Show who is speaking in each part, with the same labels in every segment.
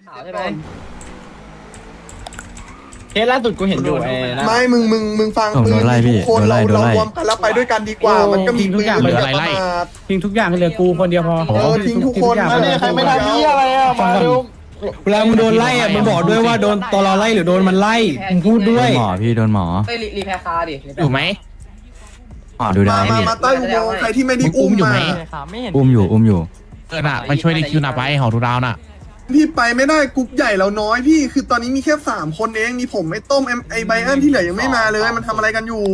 Speaker 1: ใช่ไหม
Speaker 2: เคสล่าสุดกูเห็นอยู่ไอ้นะ
Speaker 3: ไม่มึงฟังปืนทุกคนเรารวมกันแล้วไปด้วยกันดีกว่ามันก็มีปืนเหลืออะไร
Speaker 4: ทิ้งทุกอย่างเหลือกูคนเดียวพอ
Speaker 3: ทิ้งทุกคน
Speaker 2: ใครไม่ทำนี่อะไรอ่ะมาดู
Speaker 5: เวลามึงโดนไล่อ่ะมึงบอกด้วยว่าโดนตอรอไล่หรือโดนมันไล่มึงพูดด้วย
Speaker 6: หมอพี่โดนหมอ
Speaker 1: ไปรีแพร์คาดิ
Speaker 6: อยู่ไหมหมอดูได้
Speaker 3: มาใต้อุโมงค์ใครที่ไม่ได้อุ้มมา
Speaker 6: อุ้มอยู่
Speaker 7: ไปช่วยในคิวหน่ะไปหอดูดาวน่ะ
Speaker 3: พี่ไปไม่ได้กรุ๊ปใหญ่เราน้อยพี่คือตอนนี้มีแค่3คนเองมีผมไอ้ต้มไอ้ไบอันที่เหลือยังไม่มาเลยมันทำอะไรกันอยู่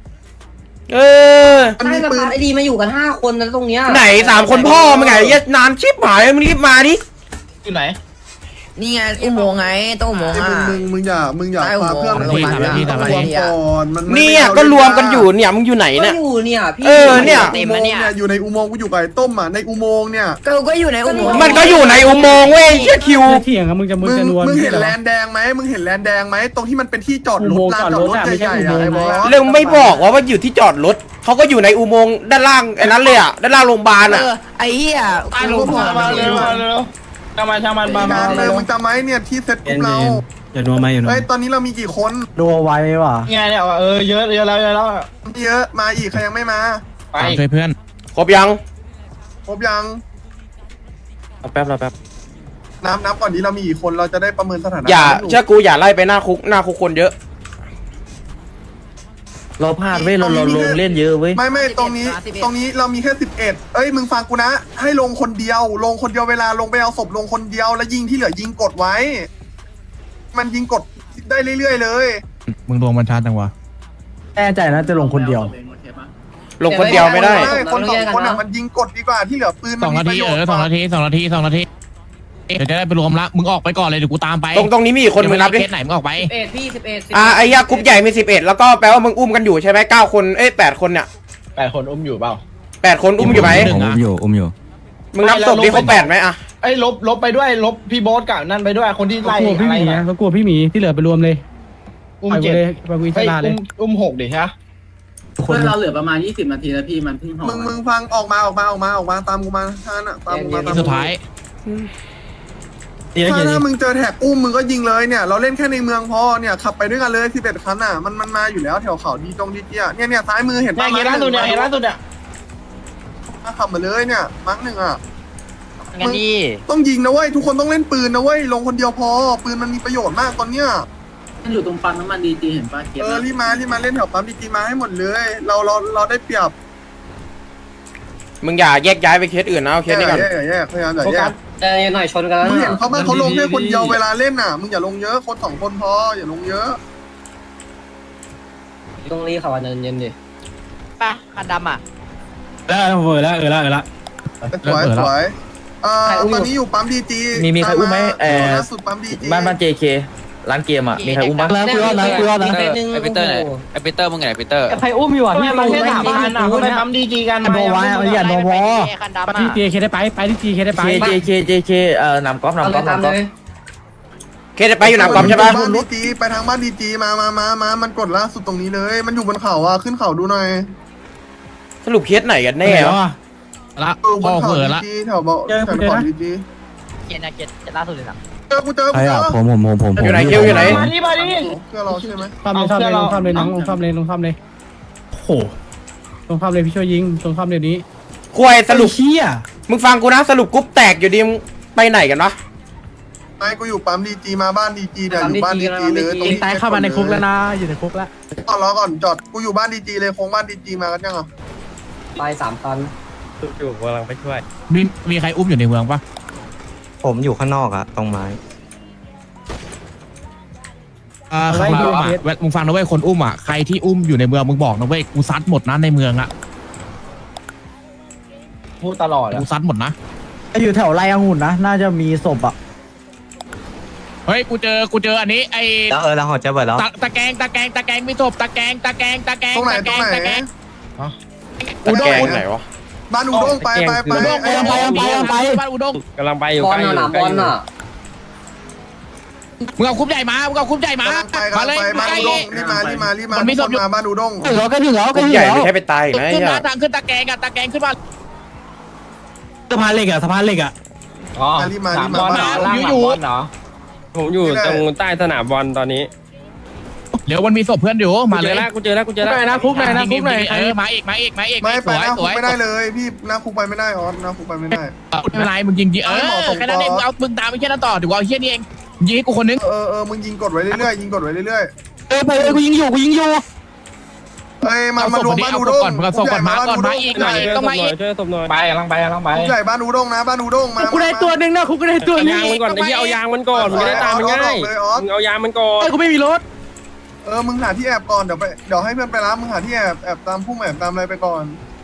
Speaker 3: มัน
Speaker 1: ใช่
Speaker 3: มี
Speaker 1: ส
Speaker 3: ปืน
Speaker 1: ภาไอดีมาอยู่กัน5 คนนะตรงเนี้ย
Speaker 5: ไหน3 คนพ่อมึงไงเหี้ยนานชิบหายมึงรีบมาดิ
Speaker 2: อยู่ไหน
Speaker 8: นี่ไงอุโมงค์ไงต้องอุโมงค์อ่ะ
Speaker 3: มึงอย่าพาเพื่อน
Speaker 8: ใต้อุโมงค์
Speaker 3: รวมก่อนมัน
Speaker 5: เนี่ยก็รวมกันอยู่เนี่ยมึงอยู่ไหน
Speaker 1: ก็
Speaker 5: เนี่ย
Speaker 1: อยู่เนี่ยพี่
Speaker 5: เนี่ย
Speaker 3: อุโมงค์เนี่ยอยู่ในอุโมงค์กูอยู่กับไอ้ต้มอ่ะในอุโมงค์เนี่ย
Speaker 8: ก็อยู่ในอุโมงค์
Speaker 5: มันก็อยู่ในอุโมงค์เว้ยเหี้ยคิว
Speaker 4: เถียงอะมึงจะนวล
Speaker 3: มึงเห็นแลนแดงไหมมึงเห็นแลนแดงไหมตรงที่มันเป็นที่จอดรถลานจอดรถใหญ่ๆอะไอ้บอส
Speaker 5: เรื่องไม่บอกว่าอยู่ที่จอดรถเขาก็อยู่ในอุโมงค์ด้านล่างไอ้นั้นเลยอ่ะด้านล่างโรงพยาบาลอ่ะ
Speaker 8: ไอ้เหี้ย
Speaker 2: มาเลยช่างมันมา
Speaker 3: เลยมึงจำไหมเนี่ยที่เซ็ตกลุ่มเรา
Speaker 5: อย่านัวมาอย่านัว
Speaker 3: เฮ้ยตอนนี้เรามีกี่คน
Speaker 5: นัวไว้ว่ะ
Speaker 2: ไงเนี่ยเยอะแล้ว
Speaker 3: เยอะมาอีกใครยังไม่มา
Speaker 2: ไป
Speaker 7: ช่วยเพื่อน
Speaker 5: ครบยัง
Speaker 3: ครบยัง
Speaker 5: แป๊บ
Speaker 3: นับก่อนนี้เรามีกี่คนเราจะได้ประเมินสถานะ
Speaker 5: อย่าเชื่อกูอย่าไล่ไปหน้าคุกคนเยอะ
Speaker 6: เราพลาดเว้ยเราลงเล่นเยอะเว้ย
Speaker 3: ไม่ตรงนี้เรามีแค่11เอ้ยมึงฟังกูนะให้ลงคนเดียวเวลาลงไปเอาศพลงคนเดียวแล้วยิงที่เหลือยิงกดไว้ มันยิงกดได้เรื่อยๆเลย
Speaker 7: มึงรวมบรรทัดจังวะ
Speaker 5: แน่ใจนะจะลงคนเดียว ลงคนเดียวไม่ได้
Speaker 3: คน2 คนอ่ะมันยิงกดดีกว่าที่เหลือปืน
Speaker 7: 2 นาที2 นาที2 นาที2 นาทีเดี๋ยวจะได้ไปรวมละมึงออกไปก่อนเลยเดี๋ยวกูตามไป
Speaker 5: ตรงนี้มีกี่คนมึงนับดิ
Speaker 7: เคสไหนมึงออกไป
Speaker 1: 11พี่11
Speaker 5: ไอ้เหี้ยกรุ๊ปใหญ่มี11แล้วก็แปลว่ามึงอุ้มกันอยู่ใช่ไหม9 คน8 คนเนี่ย
Speaker 2: 8 คนอุ้มอยู่เปล่า
Speaker 5: 8 คนอุ้มอยู่ไหม
Speaker 7: หนึ่ง
Speaker 6: อุ้มอยู่
Speaker 5: มึงนับศพดิเขา8ไหมอะ
Speaker 2: ไอ้ลบไปด้วยลบพี่โบ๊ทกับนั่นไปด้วยคนที่ไล่
Speaker 4: กลัวพี่
Speaker 2: อะ
Speaker 4: ห
Speaker 2: ไร
Speaker 4: มี
Speaker 2: นะ
Speaker 4: เขากลัวพี่หมีที่เหลือไปรวมเลย
Speaker 2: อุ้ม
Speaker 4: ไป
Speaker 2: 7
Speaker 4: เลยไปวิชาเลย
Speaker 2: อุ้ม6ดิฮะ
Speaker 9: เพื่อนเราเหลือประมาณ20 นาทีแล้วพี่มันเพิ่งห่อ
Speaker 3: มึงฟังออกมาตามกูมาท่านอ่ะตามกูมา
Speaker 7: สุดท้าย
Speaker 3: ถ้ามึงเจอแท็กอุ้มมึงก็ยิงเลยเนี่ยเราเล่นแค่ในเมืองพอเนี่ยขับไปด้วยกันเลย11 คันอ่ะมันมาอยู่แล้วแถวเขาดีเจี้ยเนี่ยซ้ายมือเห็น
Speaker 2: เนี่ยเห็นล่าสุดเนี่ย
Speaker 3: ขับมาเลยเนี่ยมั้งหนึ่งอ่ะ
Speaker 6: งั้นดี
Speaker 3: ต้องยิงนะเว้ยทุกคนต้องเล่นปืนนะเว้ยลงคนเดียวพอปืนมันมีประโยชน์มากตอนเนี้ย
Speaker 9: มันอยู่ตรงปั๊มน้ำมันดีจีเห็นป่ะเก็บ
Speaker 3: รีบมาเล่นแถวปั๊มดีๆมาให้หมดเลย เราได้เปรียบ
Speaker 5: มึงอย่าแยกย้ายไปเคสอื่นนะเอาเคสนี้ก่อน
Speaker 3: แยกพยายามอย่าแยก
Speaker 1: หน่อยชนกันแล้ว
Speaker 3: มึงเห็นเขาบ้างเขาลงแค่คนเดียวเวลาเล่นน่ะมึงอย่าลงเยอะคน2 คนพออย่าลงเยอะ
Speaker 1: ต้องรีบขับเย็นดิ
Speaker 8: ป่ะคันดำอ่ะ
Speaker 5: แล้ว
Speaker 3: สวยตอนนี้อยู่ปั๊มดีจี
Speaker 6: มีใครอุ้มไหม
Speaker 3: ล่าสุดปั๊มดีจี
Speaker 6: บ้าน JK ร้านเกมอ่ะมีใครอุ้มบ้าง
Speaker 1: แล้วกูรอดนะ
Speaker 8: ไอปีเตอร์ไหนไอปีเตอร์มึงไงปีเตอร์
Speaker 4: ใครอุ้มอยู่อ่ะ
Speaker 2: เนี่ยมันแค่3 คันอ่ะเขาไปปั๊มดีจีกัน
Speaker 5: คันดำ
Speaker 4: ไปที่ JK ได้ไปที่ JK ได้ไป
Speaker 6: JK นำก๊อฟ
Speaker 1: ตามเลย
Speaker 5: เคสไปอยู่หนามกอมใช่ปะ
Speaker 3: บ้านดีจีไปทางบ้านดีจีมามันกดล่าสุดตรงนี้เลย มันอยู่บนเขาอ่ะขึ้นเขาดูหน่อย
Speaker 5: สรุปเคสไหนกันแน่วะ
Speaker 7: ละ
Speaker 3: บ
Speaker 7: พ่อน
Speaker 3: เขา
Speaker 7: เผลอ
Speaker 3: ดี
Speaker 7: ละ
Speaker 3: จีแถวเบาแถวเขาดีจี
Speaker 8: เกียร์นะเกียร์ล่าสุดเลยนะ
Speaker 3: เจอกูเจอ
Speaker 6: ผม
Speaker 5: อยู่ไหนคิวอยู่ไหน
Speaker 2: มาดิ
Speaker 3: เพื่อเราใช่ไหม
Speaker 4: ซ่อมเลยลงซ่อมเลยน้องลงซ่อมเลย
Speaker 5: โอ้โห
Speaker 4: ลงซ่อมเลยพี่ช่วยยิงลงซ่อมเดี๋ยวนี้
Speaker 5: ควยสรุป
Speaker 4: เฮีย
Speaker 5: มึงฟังกูนะสรุปกรุ๊ปแตกอยู่ดีมึงไปไหนกันวะ
Speaker 3: ไอ้กูอยู่ปั๊มดีจีมาบ้านดีจีเดี๋ยวอยู่บ้านดีจีเลย
Speaker 4: ตายเข้ามาในคุกแล้วนะอยู่ในคุกแล้ว
Speaker 3: รอก่อนจอดกูอยู่บ้านดีจีเลยโค้งบ้านดีจีมากันยังอ่ะ
Speaker 1: ไป3 คัน
Speaker 7: มีใครอุ้มอยู่ในเมืองปะ
Speaker 6: ผมอยู่ข้างนอกอะตรงไม้
Speaker 7: ใครอุ้มอ่ะมึงฟังนะเว้ยคนอุ้มอ่ะใครที่อุ้มอยู่ในเมืองมึงบอกนะเว้ยกูซัดหมดนะในเมืองอ่ะ
Speaker 2: พูดตลอด
Speaker 7: กูซัดหมดนะ
Speaker 5: อยู่แถวไรองุ่นนะน่าจะมีศพอ่ะ
Speaker 7: เฮ้ยกูเจออันนี้ไอ้
Speaker 6: แล้วเราหอจะเบิดแล้ว
Speaker 7: ตะแกงมีศพตะแกง
Speaker 3: ตรงไหน
Speaker 7: อุด้ง
Speaker 5: ไหนวะ
Speaker 3: บ้านอุด้งไป
Speaker 7: บ้านอุด้ง
Speaker 2: กำลังไปอยู่
Speaker 1: บอลน่ะบอลน่ะ
Speaker 7: มึงเอาคุ้มใหญ่มามาเลย
Speaker 3: บ้านอุด้งรีบมาทุกคนมาบ้านอุด้ง
Speaker 5: กรุ๊ปใหญ่ไม่ใช่ไปตายนะ
Speaker 7: ขึ้น
Speaker 5: ไอ้
Speaker 7: มาทางขึ้นตะแกงขึ้นมา
Speaker 5: สะพานเหล็กอ่ะ
Speaker 2: อ๋อ
Speaker 3: รีบมา
Speaker 2: สา
Speaker 3: รี
Speaker 2: ม
Speaker 3: บบ มา
Speaker 2: อลเหรอล่างสามบอลเหรอ
Speaker 1: ผมอยู่ตรงใต้สนามบอลตอนนี้
Speaker 7: เดี๋ยวมันมีศพเพื่อนอยู่มาเลย
Speaker 1: กูเจอแล้ว
Speaker 4: คุกหน่อยนะคุกหน่อยนะคุกหน่อย
Speaker 7: เออมาอีก
Speaker 3: ไม่
Speaker 7: ส
Speaker 3: ไป
Speaker 7: วย
Speaker 3: หน้า
Speaker 7: ส
Speaker 3: คุก
Speaker 7: วย
Speaker 3: ไม่ได้เลยพี่หน้าคุกไปไม่ได้ออสหน้าคุกไปไม่ได้
Speaker 7: ไม่เป็นไรมึงยิงแค่นั้นเองเอามึงตามไปแค่นั้นต่อเดี๋ยวเอาเฮี้ยนี่เองยิงให้กูคนนึง
Speaker 3: มึงยิงกดไว้เรื่อยๆยิงกดไว้เรื่อย
Speaker 4: ไปกูยิงอยู่กูยิงอยู่
Speaker 3: ๆเฮ้ยมารวมบ้านอูด้ง
Speaker 7: มาส่งก่อนมาก่อนมาอีกหน่อยต้องมาอีก
Speaker 1: ช่วยตบหน่อย
Speaker 2: ไปกำลังไป
Speaker 3: คุกใหญ่บ้านอูด้งนะบ้านอูด้งมา
Speaker 4: กูได้ตัวหนึ่งนะคุกกูได้ตัว
Speaker 1: เอา
Speaker 4: หนึง
Speaker 1: ยางมันก่อนไอ้ที่เอายางมันก่อนมึงจะได้ตามมันง่ายมึงเอายางมันก่อน
Speaker 4: กูไม่มีรถ
Speaker 3: มึงหาที่แอบก่อนเดี๋ยวให้เพื่อนไปรับมึงหาที่แอบตามพุ่มแอบตามอะไรไปก่อน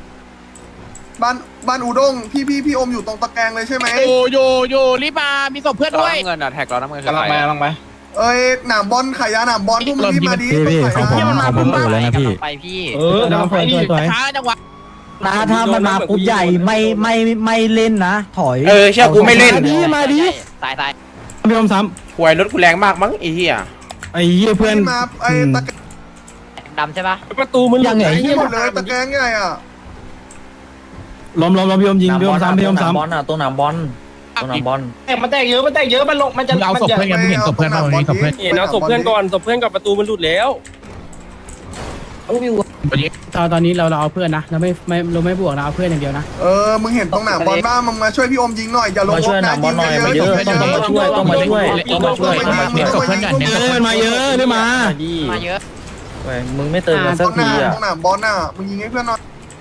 Speaker 3: บ้านอูด้งพี่อมอยู่ตรงตะแกรงเลยใช่ไหม
Speaker 7: โยรีบมามีศพเพื่อนด้วย
Speaker 8: น้ำเงินอ่ะแท็กเราน้ำเงิน
Speaker 2: กำลังไป
Speaker 3: หนามบอลขายยาหนามบอลพวกมึงรีบมาดิ
Speaker 6: ผมเปิดแล้วนะพี่
Speaker 8: ไปพี่
Speaker 7: ช้าจังหวะ
Speaker 6: นะถ้ามันมาปุ๊บใหญ่ไม่เล่นนะ ถอย
Speaker 5: เชื่อกูไม่เล่น
Speaker 4: มาดิ
Speaker 8: ตาย
Speaker 4: พี่อมซ้
Speaker 5: หวยรถกูแรงมากมั้งไอ้เหี้ย
Speaker 4: ำไอ้เหี้ยเพื่อน
Speaker 3: มาตะแกรง
Speaker 8: ดำใช่ปะ
Speaker 1: ประตูมัน
Speaker 4: ยังไง
Speaker 3: ที่หมดเลยตะแกรงใหญ่อ่ะ
Speaker 4: ล้มพี่อมยิงพี่อมซ้ำพี่อมซ้ำ
Speaker 6: บอลอ่ะตัวหนามบอลตัวหนามบอล
Speaker 2: มันแตกเยอะมันลงมันจะ
Speaker 7: มึงเอาศพเพื่อนกันมึงเห็นศพเพื่อนเราเห็นศพเพื่อน
Speaker 1: เห็นเอาศพเพื่อนก่อนศพเพื่อนกับประตูมันหลุดแล้วเอาวิว
Speaker 4: ตอนนี้เราเอาเพื่อนนะเราไม่บวกนะเอาเพื่อนอย่างเดียวนะ
Speaker 3: มึงเห็นตรงหนามบอลบ้างมึงมาช่วยพี่อมยิงหน่อยอย่าลง
Speaker 6: มาช่วยหนามบอลหน่อยมาเยอะต้องมาช่วยต้องมาช่วย
Speaker 7: เน้นศพเพื่อนกันเน้นศพเพื่อน
Speaker 4: มาเยอะด้วยมา
Speaker 8: มาเยอะ
Speaker 6: มึงไม่เติมกันสั
Speaker 3: ต
Speaker 6: ก
Speaker 3: รงห
Speaker 6: ที
Speaker 3: น้า
Speaker 6: อ่ะ
Speaker 3: ตรงหนามบอลน่ะมึงยิงให้เพื่อนหน่อย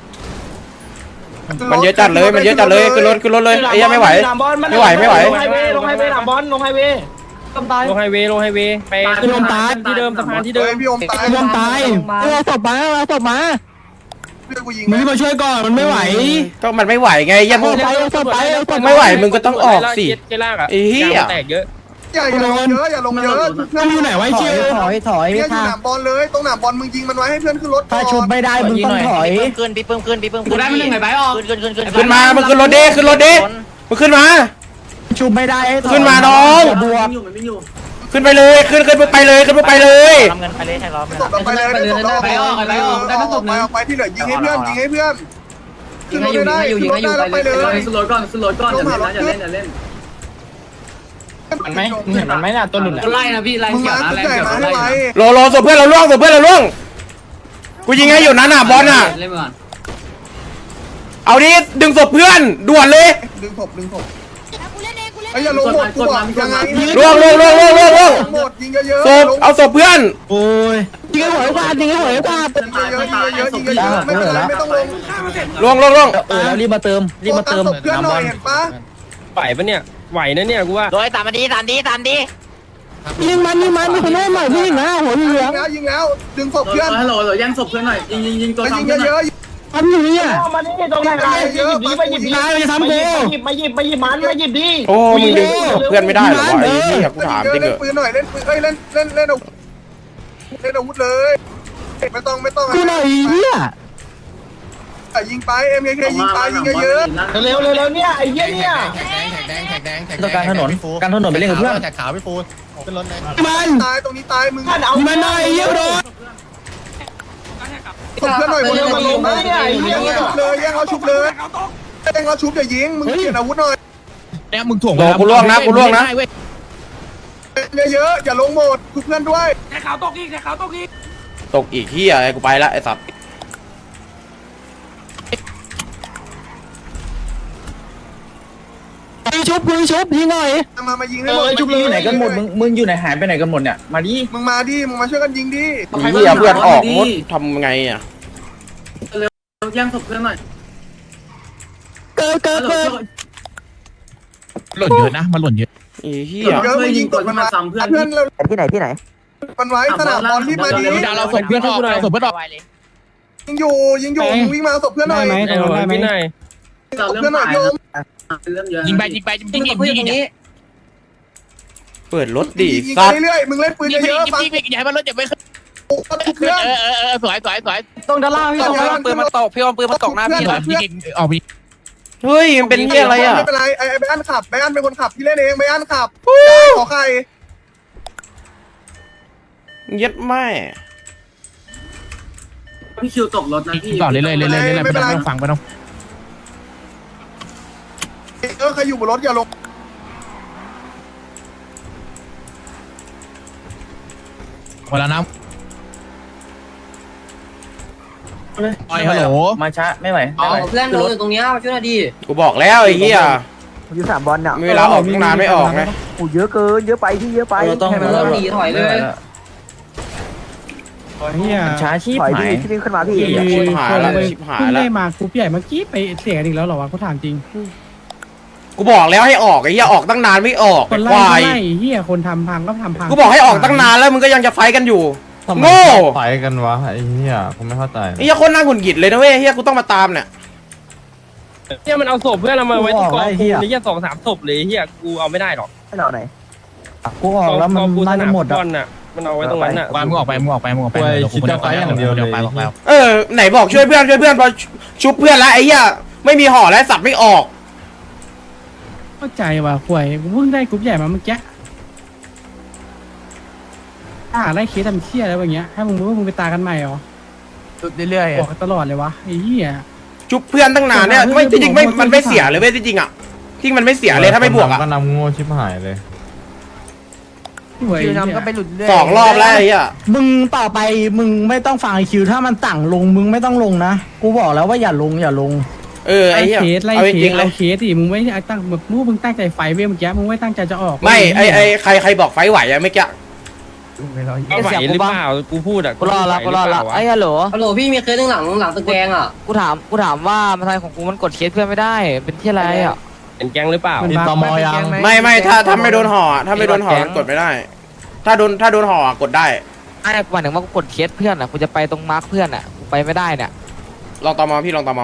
Speaker 5: มันเยอะจัดเลยขึ้นรถเลยไอ้เหี้ยไม่ไหว ไม่ไหว
Speaker 2: ลงไฮเวย์หนามบอลลงไฮเวย์
Speaker 1: ลงไฮเวย์ไป
Speaker 4: พี่อมตาย
Speaker 1: ที่เดิมสะพานที่เดิม
Speaker 3: พี่อมตาย
Speaker 4: พี่อมตายเอาศพมา
Speaker 3: เพื่อนกูยิง
Speaker 4: มึงมาช่วยก่อนมันไม่ไหว
Speaker 5: ก็มันไม่ไหวไงยัง
Speaker 4: เอาศพไป
Speaker 5: ไม่ไหวมึงก็ต้องออกสิ
Speaker 1: เกล่างอ่ะ
Speaker 5: ไอ้เหี้ย
Speaker 1: แตกเยอะ
Speaker 3: อย่าลงเยอะอย่าลงเยอะ
Speaker 4: มันอยู่ไหนไว้เชี่ย
Speaker 6: ถอย
Speaker 3: เนี่ยอยู่หนามบอลเลยตรงหนามบอลมึงยิงมันไว้ให้เพื่อนขึ้นรถก่อน
Speaker 6: ถ้าชุบไม่ได้มึงต้องถอย
Speaker 8: ขึ้นพี่เพิ่มขึ้นกูได้ไม่หนึ่งไหนไปออกขึ้น
Speaker 5: มามึงขึ้นรถดิมึงขึ้นมา
Speaker 6: ชุบไม่ได้
Speaker 5: ขึ้นมาน้อง
Speaker 6: บวก
Speaker 5: ขึ้นไปเลยขึ้นไปเลย
Speaker 8: น้ำเงินไปเลยแท็กเรา
Speaker 3: ศพเราไปเลยไปออกไปที่เหลือยิงให้เพื่อนขึ้นรถได้แล้วไปเลย
Speaker 9: ขึ้นรถก่อนอย่าเล่น
Speaker 2: มันไหมมึงเห็นมันไหมน่ะตัวหลุด
Speaker 9: ไล่นะพี่ไล่
Speaker 3: มึง
Speaker 9: เขีย
Speaker 3: มาว
Speaker 9: นะ
Speaker 3: คุก
Speaker 9: ไล่
Speaker 3: ใหญ่
Speaker 9: เขียว
Speaker 3: มาให้
Speaker 9: ไล่
Speaker 3: ไว้
Speaker 5: รอศพเพื่อนเราล่วงกูยิงให้อยู่นั้นน่ะบอลน่ะ
Speaker 9: เล่นก่อน
Speaker 5: เอาดิดึงศพเพื่อนด่วนเลย
Speaker 3: ดึงศพไอ้อย่าลงหมดกูบอกยังไง
Speaker 5: ล่วง
Speaker 3: หมดยิงเยอะ
Speaker 5: ศพเอาศพเพื่อน
Speaker 4: โอ้ยยิงให้หัวกวาดยิงให้หัวกวาด
Speaker 3: เยอะไม่เป็นไรไม่ต้องลง
Speaker 5: ล่วง
Speaker 6: แล้วรีบมาเติม
Speaker 3: เพื่อนหน่อยเห็นปะ
Speaker 1: ไหวปะเนี่ยไหวนะเนี่ยกูว่า
Speaker 8: โดยตามดี
Speaker 4: ยิงมันมีคนโน้มหน่อยพี่นะหัวเหลือง
Speaker 3: ยิงแล้วดึงศพเพื่อน
Speaker 9: ฮัลโหลแย่งศพเพื่อนหน่อยยิงตัว
Speaker 3: ยิง
Speaker 9: ทำ
Speaker 3: เยอะ
Speaker 4: ทำอยู่เนี่ย
Speaker 2: มาดิตรงไหนไปหยิบดิ
Speaker 4: นายจะทำกู
Speaker 2: มาหยิบมันมาหยิบดิ
Speaker 5: โอ้มึงดึงศพเพื่อนไม่ได้หรอวะไอ้เหี้ยกูถามจริงเหร
Speaker 3: เล่น
Speaker 5: อ
Speaker 3: ปืนหน่อยเล่นปืนเล่นอาวุธเลยไม่ต้อง
Speaker 4: กูหน่อยเนี่ย
Speaker 3: ยิงไป MKK ยิงไปยิงเยอะ
Speaker 2: เร็วเนี่ยไอ้เหี้ยเนี่ย
Speaker 6: ต้องการถนนไปเล่นกับเพื่อน
Speaker 4: มัน
Speaker 3: ตายตรงนี้ตายมึง
Speaker 4: ยิงมันหน่อยเยี่ยมโดน
Speaker 3: ศพเพื่อนหน่อยคนเดียวมาลงนะแย่งเขาชุบเลยแย่งเขาชุบอย่ายิงมึงเปลี่ยนอาวุธหน่อย
Speaker 7: เนี่ยมึงถ่วง
Speaker 5: กูล่วงนะ
Speaker 3: เยอะอย่าลงหมดชุบเพื่อนด้วย
Speaker 5: ตกอีกเหี้ยกูไปละไอ้สัตว์
Speaker 4: ชุบยิงหน่อย
Speaker 3: มายิงให้หมด
Speaker 6: อยู่ไหนกันหมดมึงอยู่ไหนหายไปไหนกันหมดเนี่ยมาดิ
Speaker 3: มึงมาดิมึงมาช่วยกันยิงดิ
Speaker 5: เหี้ยเพื่อนออกมดทำไงอ่ะ
Speaker 9: แย่งศพเพื่อนหน่อย
Speaker 4: เกิด
Speaker 7: หล่นเยอะนะมันหล่นเยอะ
Speaker 5: ไอ้เหี้ย
Speaker 3: เยอะมึงยิงกดมันมาเพื่อนเรา
Speaker 6: ที่ไหน
Speaker 3: มันไว้สนามบอลที่มาดิ
Speaker 7: เดี๋ยวเราศพเพื่อนออกเราศพเพื่อนออก
Speaker 3: ยิงอยู่มึงวิ่งมาศพเพื่อนหน่อย
Speaker 1: ไอ้หน่อยพี่นาย
Speaker 9: เรา
Speaker 3: เพื่อนหน่อยโยม
Speaker 9: เริ่มเยอะ
Speaker 7: ยิงไปยิง
Speaker 5: เปิดรถดิ
Speaker 3: ยิง
Speaker 5: สัตว์
Speaker 3: เรื่อยมึงเล่นปืนเยอะฟัง
Speaker 7: อย่าให้มันรถอย่าไป
Speaker 3: เพื่อน
Speaker 7: สวย
Speaker 4: ตรงด้านล่างพี่
Speaker 8: ปืนมันตกพี่อมปืนมันตกหน้าพี่
Speaker 7: ยิงออกไป
Speaker 5: เฮ้ยมันเป็นเหี้ยอะไรอ่ะ
Speaker 3: ไม่เป็นไรไอ้ไบอันขับไบอันเป็นคนขับพี่เล่นเองไบอันขับขอใคร
Speaker 5: ยัดแม่
Speaker 9: พี่คิวตกรถนะพี่
Speaker 7: ก่อนเลยไม่ต้องฟังไม่ต้อง
Speaker 3: ใครอยู่บนรถอย่าลง
Speaker 7: หมดแล้วนะฮัลโหล
Speaker 2: มาช้าไม่ไหว
Speaker 8: เพื่อนลงอยู่ตรงนี้มาช่วยหน่อยดิ
Speaker 5: กูบอกแล้วไอ้เหี้ย
Speaker 4: อยู่3บอลเนี่ย
Speaker 5: มีเวลาออกตั้งนานไม่ออกไง
Speaker 4: โอ้เยอะเกินเยอะไปที่เยอะไป
Speaker 2: เราต้อง
Speaker 8: เริ่มหนีถอยเลย
Speaker 2: ช้าชีพ
Speaker 4: ถอย
Speaker 2: หา
Speaker 4: ดิ
Speaker 2: ย
Speaker 4: ที่วิ่งขึ้นมาพี่
Speaker 5: ชิบหายแล้วชิบหาย
Speaker 6: เพิ่ง
Speaker 5: แล้ว
Speaker 6: ได้มากรุ๊ปใหญ่เมื่อกี้ไปเสียกันอีกแล้วเหรอวะกูถามจริง
Speaker 5: กูบอกแล้วให้ออกไอ้เหี้ยออกตั้งนานไม่ออก
Speaker 6: ค
Speaker 5: ไอ้
Speaker 6: น
Speaker 5: ค
Speaker 6: ไล่
Speaker 5: วาย
Speaker 6: ก็ไล่เฮียคนทำพังก็ทำพัง
Speaker 5: กูบอกให้ออกตั้งนานแล้วมึงก็ยังจะไฟกันอยู่โง่
Speaker 10: ไฟกันวะไอ้เหี้ยผมไม่เข้าใจ
Speaker 5: ไอ้เหี้ยคนน่าหงุดหงิดเลยนะเว้ยเหี้ยกูต้องมาตามเนี่ย
Speaker 1: เนี่ยมันเอาศพเพื่อนเรามาไว้ที่กองกูนี่แค่2-3ศพเลยเฮียกูเอาไม่ได้หรอก
Speaker 4: ให้เราไหน
Speaker 6: กูออกแล้วมัน
Speaker 1: กู
Speaker 6: น่าจะหมด
Speaker 1: บ
Speaker 6: อ่ะ
Speaker 1: อลน่ะมันเอาไว้ตรงนั้นน่ะ
Speaker 7: มึงออกไปบอกแล้ว
Speaker 5: ไหนบอกช่วยเพื่อนพอชุบเพื่อนแล้วไอ้เหี้ยไม่มีห่อแล้วสับไม่ออก
Speaker 6: เข้าใจว่ะป่วยกูเพิ่งได้กรุ๊ปใหญ่มาเมื่อกี้ถ้าหาไล่เคสทำเชี่ยอะไรแบบเงี้ยให้มึงรู้ว่ามึงไปตายกันใหม่เหรอ
Speaker 4: เรื่อย
Speaker 6: บอกกันตลอดเลยวะไอ้เหี้ย
Speaker 5: ชุบเพื่อนตั้งนานเนี่ยไม่จริงๆไม่มันไม่เสียเลยเว้ยจริงๆอ่ะที่มันไม่เสียเลยถ้าไม่บวกอ่ะ
Speaker 10: ก็นำโง่ชิบหายเลย
Speaker 6: ป่วย
Speaker 4: คิวนำก็ไปหลุดเรื่อย
Speaker 5: 2 รอบแล้วไอ้เหี้ย
Speaker 6: มึงต่อไปมึงไม่ต้องฟังไอคิวถ้ามันสั่งลงมึงไม่ต้องลงนะกูบอกแล้วว่าอย่าลง
Speaker 5: ไอ้เหี้ย
Speaker 6: เคสไล่
Speaker 5: เอา
Speaker 6: เค
Speaker 5: จริ
Speaker 6: ส
Speaker 5: งๆเล
Speaker 6: เอา
Speaker 5: ย
Speaker 6: เคสดิมึงไม่ได้ตั้งแบบมึงตั้งใจไฟเว้ยเมื่อกี้มึงไม่ตั้งใจจะออก
Speaker 5: ไม่ไอ้ใครบอกไฟไหวอะเมื่อกี้
Speaker 1: เอาไหวหรือเปล่ากูพูดอ่ะ
Speaker 8: กูรอละไอ้ฮัลโหล
Speaker 11: ฮัลโหลพี่มีเคสหลังตึกแดงอ่ะ
Speaker 8: กูถามว่ามาทายของกูมันกดเคสเพื่อนไม่ได้เป็นที่อะไรอ่ะ
Speaker 1: เป็นแก๊งหรือเปล่า
Speaker 10: ตมยัง
Speaker 5: ไม่ถ้าไม่โดนห่อถ้าไม่โดนห่อมันกดไม่ได้ ถ้าโดนห่อกดได้
Speaker 8: ไอ้หมายถึงว่ากูกดเคสเพื่อนอ่ะกูจะไปตรงมาร์คเพื่อนอ่ะกูไปไม่ได้เนี่ย
Speaker 5: ลองตมพี่ลองตม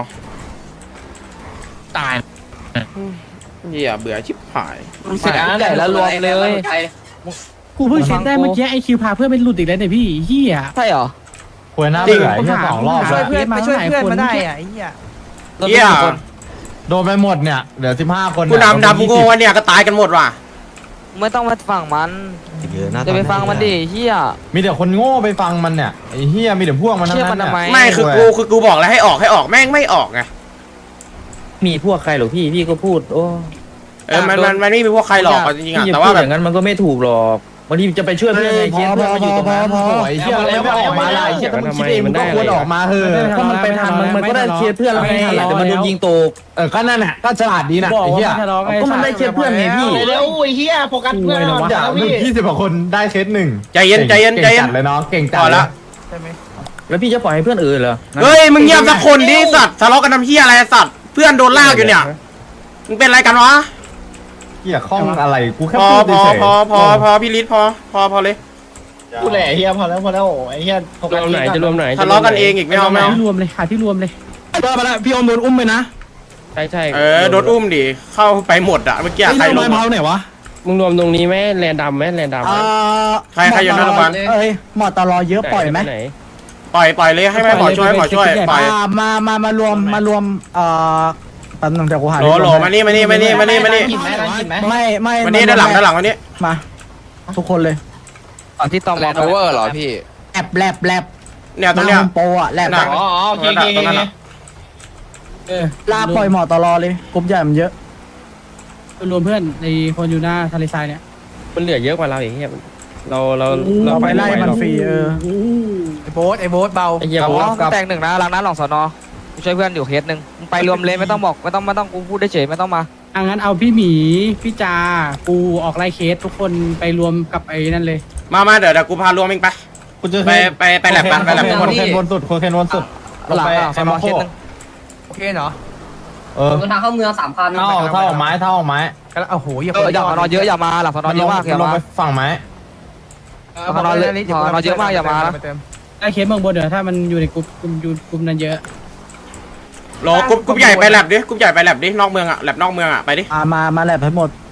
Speaker 7: ตาย
Speaker 5: เหี้ยเบื่อชิบหาย
Speaker 8: เสร็จใหญ่แล้วรวมเลย
Speaker 6: กูเพิ่งเช็คได้เมื่อกี้ไอคิวพาเพื่อนเป็นหลุดอีกแล้วเนี่ยพี่เหี้ย
Speaker 8: ใช่เหรอ
Speaker 10: ควรหน้าเบื่อไอ้เหี้ย2 รอบ
Speaker 6: ช่
Speaker 10: แล้ว
Speaker 6: วยเพื่อนมาช่วยเพื่อนมาได้อ่ะ
Speaker 5: เหี้ย
Speaker 10: โดนไปหมดเนี่ยเหลือ15 คน
Speaker 5: กูดำโง่เนี่ยก็ตายกันหมดว่ะ
Speaker 8: ไม่ต้องมาฟังมันจะไปฟังมันดิเฮีย
Speaker 10: มีแต่คนโง่ไปฟังมันเนี่ยไอ้เหี้ยมีแต่พวกมันทั้ง
Speaker 8: เชื่อ
Speaker 10: นั้
Speaker 8: มัน
Speaker 10: น
Speaker 8: ทำไม
Speaker 10: เนี่ย
Speaker 5: ไม่คือกูบอกแล้วให้ออกแม่งไม่ออกไง
Speaker 2: มีพวกใครหรอพี่ก็พูดโอ้
Speaker 5: มันไม่มีพวกใครหรอกจริงๆอ่ะ
Speaker 2: พี่
Speaker 5: แต่
Speaker 2: พู
Speaker 5: ว่า
Speaker 2: ด
Speaker 5: แบ
Speaker 2: อบ ย่างนั้นมันก็ไม่ถูกหรอกบางทีจะไปช่วยเพื่อนในเคสเพื่อนมาอยู่ตรงนั้น
Speaker 10: โอ้ยเหี้ยอะไรไม่ออกมาล่ะไอ้เหี้ยถ้ามึงคิดเองมึงก็ควรออกมาเถอะ
Speaker 2: ก็มันไปทันมันก็ได้เคสเพื่อนแล้วไม่ทันแต่มันโดนยิงตก
Speaker 10: ก็นั่นแหละก็ฉลาดดีนะ
Speaker 6: บอก
Speaker 10: ไอ้
Speaker 6: ว่า
Speaker 10: เหี้ย
Speaker 6: ไม่ทะเลาะ
Speaker 2: ก็มันได้เคสเพื่อนไงพี่
Speaker 9: เร็วไอ้เหี้ยโฟกัสเพื่อน
Speaker 10: เดี๋ยวมึง20 กว่าคนได้เคสหนึ่ง
Speaker 5: ใจเย็น
Speaker 10: เก่งจัดเลยน้องเก่งจัด
Speaker 5: พอละ
Speaker 2: แล้วพี่จะปล่อยให้เพื่อนเหรอ
Speaker 5: เฮ้ยมึงเงียบสักคนดิสัตว์ทะเลาะกันทำเหี้ยอะไรสัตว์เพื่อนโดนลากอยู่เนี่ยมึงเป็นอะไรกันวะ
Speaker 10: เหี้ยข้องอะไรกูแค่
Speaker 5: พอ
Speaker 10: พูดเฉย
Speaker 5: พอพี่ฤทธิ์พอเลย
Speaker 9: พูดแหละเฮียพอแล้วไอ้เฮีย
Speaker 1: รวมไหนจะรวมไหน
Speaker 5: ทะเลาะกันเองอีกไม่เอา
Speaker 6: ที่รวมเลยหาที่รวมเลย
Speaker 4: มาแล้วพี่อมโดนอุ้มไปนะ
Speaker 1: ใช่
Speaker 5: โดนอุ้มดิเข้าไปหมดอ่ะเมื่อกี้ใครลง
Speaker 4: ไหนวะ
Speaker 1: มึงรวมตรงนี้ไหมแลนดำไหมแลนดำไหม
Speaker 5: ใครอยู่หน้าโรงพยาบาล
Speaker 6: เอ้ยหมอตลอเยอะปล่อยไหม
Speaker 1: น
Speaker 5: ปล่อยเลยให้แม่หมอช่วยปล่อย
Speaker 6: มารวมแป๊บนึงเดี๋ยวกูหา
Speaker 5: โหลมานี่ไม่
Speaker 9: กินไหม
Speaker 5: วันนี้ด้านหลังวันนี้
Speaker 6: มาทุกคนเลย
Speaker 8: ตอนที่ตอมแลนด์โอเวอร์เหรอพี่
Speaker 6: แลบ
Speaker 5: เนี่ยตรงเนี้ย
Speaker 6: โปอ่ะแลบ
Speaker 9: อ๋อโอเค
Speaker 5: ตรงนั้นอ่ะ
Speaker 6: ลาปล่อยหมอตลอเลยกลุ่มใหญ่มันเยอะรวมเพื่อนในคนอยู่หน้าทะเลทรายเนี่ย
Speaker 1: มันเหลือเยอะกว่าเราอย่างเงี้ยเรา
Speaker 6: ไปไล่มันฟรี
Speaker 4: ไอ้โบ๊ทเบา
Speaker 1: ไอ้เหี้ย
Speaker 8: อ๋อแตกหนึ่งนะหลังนั้นหลังสอนอกูช่วยเพื่อนอยู่เคสหนึ่งไปรวมเลยไม่ต้องบอกไม่ต้องกูพูดได้เฉยไม่ต้องมา
Speaker 6: งั้นเอาพี่หมีพี่จากูออกไล่เคสทุกคนไปรวมกับไอ้นั่นเลย
Speaker 5: มาเดี๋ยวกูพารวมเองไป
Speaker 10: กูจะ
Speaker 5: ไปแลบกันไปแลบ
Speaker 10: โคเคนวนสุดโคเคนวนสุด
Speaker 8: หลังสอนอเคสหนึ่ง
Speaker 4: โอเคเหรอ
Speaker 11: ทางเข้าเมือง3,000
Speaker 10: เท่าออกไม้
Speaker 4: โอ้โหอย่า
Speaker 8: อย่างสอนอเยอะอย่ามาหลังสอนอเยอะมากอย่า
Speaker 10: ลง
Speaker 8: มา
Speaker 10: ไปฝั่งไม้
Speaker 8: สอนอเยอะมากอย่ามานะ
Speaker 6: ไล่เคสเมืองบนเดี๋ยวถ้ามันอยู่ในกลุ่มนั้นเยอะ
Speaker 5: รอกรุ๊ปใหญ่ไปแลบดิกรุ๊ปใหญ่ไปแลบดินอกเมืองอ่ะแลบนอกเมืองอ่ะไปดิ
Speaker 6: มาแลบให้หมด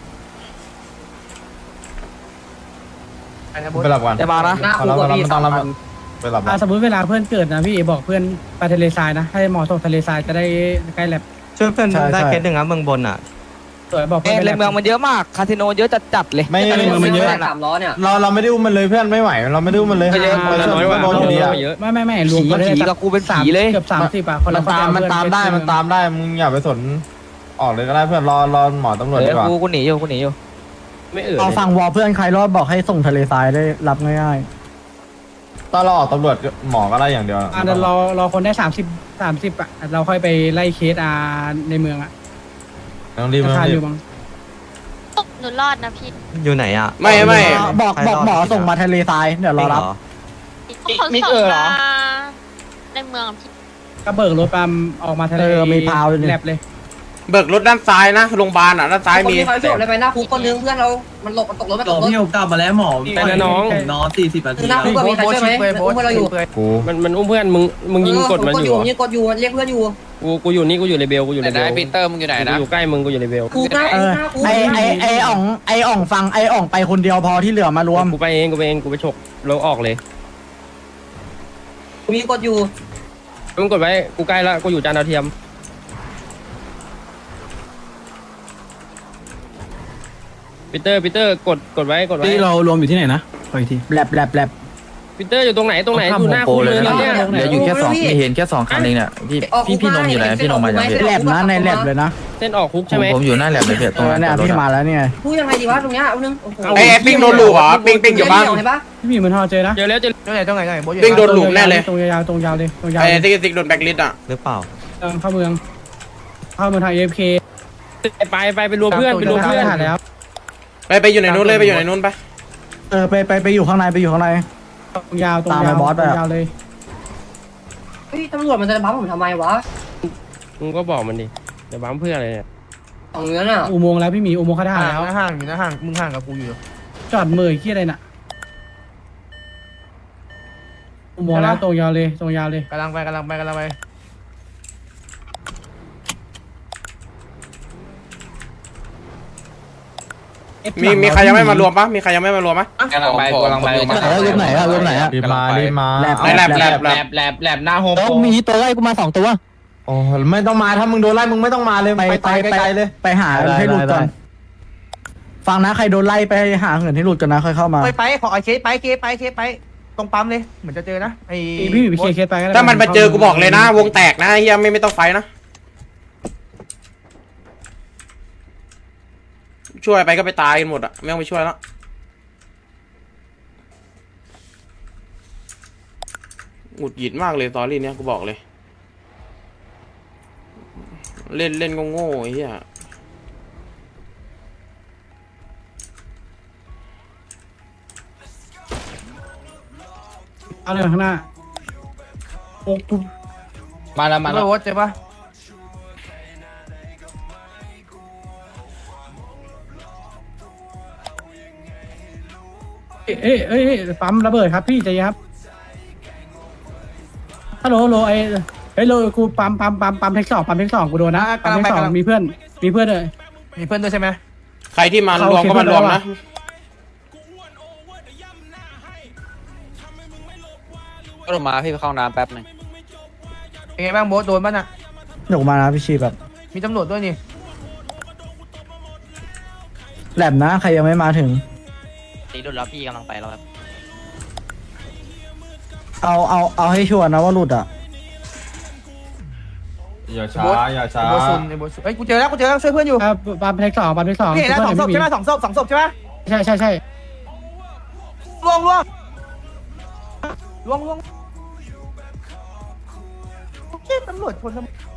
Speaker 10: ไปหลับกัน
Speaker 8: อย่ามานะ
Speaker 10: เราไม่ต้องรับไปหลับ
Speaker 6: สมมติเวลาเพื่อนเกิดนะพี่บอกเพื่อนไปทะเลทรายนะให้หมอส่งทะเลทรายจะได้ใกล้แลบ
Speaker 4: ช่วยเพื่อนได้เคสหนึ่งครับเมืองบนอ่ะ
Speaker 6: สวยบอกเพื่อน
Speaker 8: เลยเมืองมันเยอะมากคาสิโนเยอะจัดเลย
Speaker 10: ไม่
Speaker 11: มันเยอะ300เนี่ย
Speaker 10: เราไม่ได้อุ้มมันเลยเพื่อนไม่ไหวเราไม่ได้อุ้มมันเลย
Speaker 1: น้อยกว่า
Speaker 10: โดนอยู่ดีอ่ะ
Speaker 1: เยอะ
Speaker 6: ไม่รวม
Speaker 8: ผีกับกูเป็นผีเลย
Speaker 6: เกือบ30อ่ะคน
Speaker 10: มั
Speaker 6: ละ
Speaker 10: นตามได้มึงอย่าไปสนออกเลยก็ได้เพื่อนรอหมอตำรวจดีกว่า
Speaker 8: กูหนีอยู่
Speaker 1: ไม่
Speaker 6: เอาฟังวอเพื่อนใครรอดบอกให้ส่งทะเลทรายได้รับง่าย
Speaker 10: ตอนเราออกตำรวจหมอก็ไล่อย่างเดียว
Speaker 6: เดี๋ยวรอคนได้30อ่ะเราค่อยไปไล่เคสในเมืองอ่ะ
Speaker 10: ต้องรีบ
Speaker 6: รา
Speaker 10: ต้อง
Speaker 6: คา
Speaker 10: รี
Speaker 6: อบ ยู่บ้าง
Speaker 12: หนูรอดนะพี่
Speaker 8: อยู่ไหนอ่ะ
Speaker 5: ไม่
Speaker 4: บอกหมอส่งมาทะเลทรายเดี๋ยวรอรับ
Speaker 12: เขาส่งมาในเมืองพี่
Speaker 6: ก็เบิกรถปั๊มออกมาทะเล
Speaker 4: มีพาวด้วยนี่
Speaker 6: แลบเลย
Speaker 5: เบิกรถด้านซ้ายนะโรงพยาบาลอ่ะด้านซ้าย
Speaker 11: คน
Speaker 5: มี
Speaker 11: ที่เขาจบเลยไปหน้าคุกคนนึงเพื่อนเรา มันหลบมันตกรถมันตกรถ
Speaker 9: พี่ผมกลับมาแล้วหมอ
Speaker 1: ไปนะน้อง
Speaker 9: นอน40 นาที
Speaker 11: คือหน้าคุกก็มีใครช่วยไหมอุ้มเพื่อนเราอยู่
Speaker 10: กู
Speaker 1: มันอุ้มเพื่อนมึงยิงกดมันอยู่
Speaker 11: ยิงกดอยู่เรียกเพื่อนอยู่
Speaker 1: กูอยู่นี่กูอยู่เลเบลกูอยู่เลเบล
Speaker 8: ปีเตอร์มึงอยู่ไหนนะ
Speaker 1: กูอยู่ใกล้มึงกูอยู่เลเบล
Speaker 11: คุกนะ
Speaker 4: เออ
Speaker 11: หน้าคุก
Speaker 4: ไออ่องฟังไออ่องไปคนเดียวพอที่เหลือมารวม
Speaker 1: กูไปเองกูไปฉกแล้วออกเลย
Speaker 11: มีกดอยู่
Speaker 1: มึงกดไว้กูใกล้แล้วกูอยู่จานดาวเทียมปีเตอร์กดไว้
Speaker 6: ที่เรารวมอยู่ที่ไหนนะขออีกที
Speaker 4: แลบ
Speaker 1: ปีเตอร์อยู่ตรงไหนอยู่หน้าคุกเลยเนี่ย
Speaker 11: เหลืออยู่แค่2เห็นแค่2คันเองเนี่ยพี่นมอยู่ไหนพี่นมมาจาก
Speaker 4: แลบนะในแลบเลยนะ
Speaker 1: เส้นออกคุกใช่ไหม
Speaker 11: ผมอยู่หน้าแลบเลยเพื่อน
Speaker 4: เนี่ยพี่มาแล้วเนี่ย
Speaker 11: พูดยังไงดีวะตรงเนี้ยเอานึง
Speaker 5: ไอ้ปิ้งโดนหลูเหรอปิ้งอยู่บ้าง
Speaker 11: เห็นปะ
Speaker 6: พี่หมีเหมือนทอเจอนะ
Speaker 1: เจอแล้ว
Speaker 8: ตรงไหนโบทอยู่
Speaker 5: ปิ้งโดนหลูแน่เลย
Speaker 6: ตรงยาวตรงยาวเลยตรงยาว
Speaker 5: ไอ้ติ๊กโดนแบ็คลิสต์อ่ะ
Speaker 8: หรือเปล่า
Speaker 6: เข้าเมืองทาง AFK
Speaker 1: ไปรวมเพื่อนไปรวมเพื่อน
Speaker 6: หาแล้ว
Speaker 5: ไปอยู่ในนู้นเลยไปอยู่ในนู้นไป
Speaker 4: ไปอยู่ข้างในไปอยู่ข้างใน
Speaker 6: ตรงยาว
Speaker 4: ตามไปบอสไปอะ
Speaker 6: ยาวเลย
Speaker 11: เฮ้ยตำรวจมันจะบัฟผมทำไมวะ
Speaker 1: มึงก็บอกมันดิเดี๋ยวบั๊มเพื่ออะไรเนี่ย
Speaker 11: ของเนื้อน่ะ
Speaker 6: อุโมงค์แล้วพี่หมีอุโมงค์ข้าทหารแล้ว
Speaker 8: ห่างอยู่นะห่างมึงห่างกับกูอยู่
Speaker 6: จอดเมยขี้อะไรน่ะอุโมงค์แล้วตรงยาวเลยตรงยาวเลย
Speaker 8: กำลังไป
Speaker 5: มีใครยังไม่มารวมปะมีใครยังไม่มารวมปะ
Speaker 8: กำลังไป
Speaker 4: รวมไหนอะ
Speaker 10: รีบมา
Speaker 4: แลบ
Speaker 10: แลบหน้าโฮม
Speaker 4: แล้วมีตัวไล่กูมา2 ตัว
Speaker 10: โอ้ไม่ต้องมาถ้ามึงโดนไล่มึงไม่ต้องมาเลยไปตายไกลๆเลย
Speaker 4: ไปหาให้หลุดก่อนฟังนะใครโดนไล่ไปหาเงินให้หลุดกันนะค่อยเข้ามา
Speaker 8: ไปขอเคสไปตรงปั๊มเลยเหมือนจะเจอนะไอ้
Speaker 6: พี่หมีไปเคลียร์เคสไปก็ได้
Speaker 5: ถ้ามันมาเจอกูบอกเลยนะ วงแตกนะเฮียไม่ต้องไฟนะช่วยไปก็ไปตายกันหมดอ่ะไม่ต้องไปช่วยแล้วหงุดหงิดมากเลยตอรี่เนี้ยกูบอกเลย เล่นก็โง่ไอ้เหี้ย
Speaker 6: เอาเลยข้างหน้าโอ้กู
Speaker 10: มาแล้ว
Speaker 8: โบทเจอปะ
Speaker 6: เอ้ยปั๊มระเบิดครับพี่ใจเย็นครับฮัลโหลไอ้โลกูปั๊มเทคสองกูโดนนะปั๊มเทคสองมีเพื่อนเลย
Speaker 8: มีเพื่อนด้วยใช่ไหม
Speaker 5: ใครที่มารวมก็มารวมนะ
Speaker 8: ก็ลงมาพี่ไปเข้าน้ำแป๊บนึงเป็นไงบ้างโบทโดนป่ะน่ะ
Speaker 4: หนุกมานะพี่ชีแบบ
Speaker 8: มีตำรวจด้วยนี่
Speaker 4: แลบนะใครยังไม่มาถึง
Speaker 8: ตีรถแล้วพี่กำลังไปแล้วครับ
Speaker 4: เอาให้ชัวร์นะว่าหลุดอ่ะ
Speaker 10: อย่าช้าอย่าช้า
Speaker 8: ไอ้โบซุนเฮ้ยกูเจอแล้วช่วยเพื่อนอยู่
Speaker 6: ปั๊มเทคสอง
Speaker 8: พี่เห็นแล้ว2 ศพใช่ไหม2 ศพใช่ไหม
Speaker 6: ใช่
Speaker 8: ล่วงโอเคตำรวจคนทำ